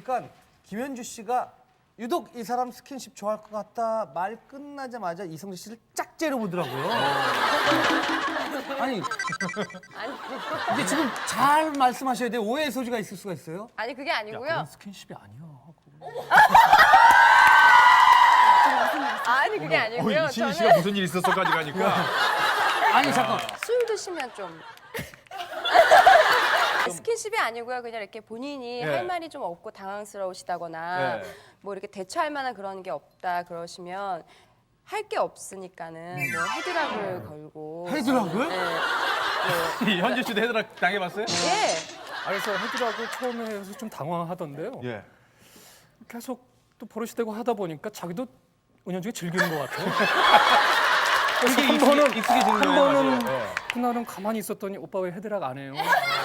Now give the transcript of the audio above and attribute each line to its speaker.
Speaker 1: 보니까 김현주 씨가 유독 이 사람 스킨십 좋아할 것 같다 말 끝나자마자 이성재 씨를 짝째려 보더라고요. 아니 이게 지금 잘 말씀하셔야 돼요. 오해의 소지가 있을 수가 있어요.
Speaker 2: 아니 그게 아니고요.
Speaker 3: 그건 스킨십이 아니야.
Speaker 2: 아니 그게 아니고요.
Speaker 4: 신희 씨가
Speaker 2: 저는
Speaker 4: 무슨 일 있었어까지 가니까.
Speaker 1: 아니 잠깐.
Speaker 2: 술 드시면 좀 스킨십이 아니고요. 그냥 이렇게 본인이
Speaker 4: 예.
Speaker 2: 할 말이 좀 없고 당황스러우시다거나
Speaker 4: 예.
Speaker 2: 뭐 이렇게 대처할 만한 그런 게 없다 그러시면 할 게 없으니까는 뭐 헤드락을 걸고
Speaker 1: 헤드락을?
Speaker 2: 네.
Speaker 4: 현주 씨도 헤드락 당해봤어요?
Speaker 2: 예.
Speaker 3: 그래서 헤드락을 처음에 해서 좀 당황하던데요.
Speaker 4: 예.
Speaker 3: 계속 또 버릇이 되고 하다 보니까 자기도 은연중에 즐기는 것 같아요. 그래서
Speaker 4: 익숙해지는
Speaker 3: 한
Speaker 4: 거예요,
Speaker 3: 번은
Speaker 4: 맞아요. 예.
Speaker 3: 그날은 가만히 있었더니 오빠 왜 헤드락 안 해요?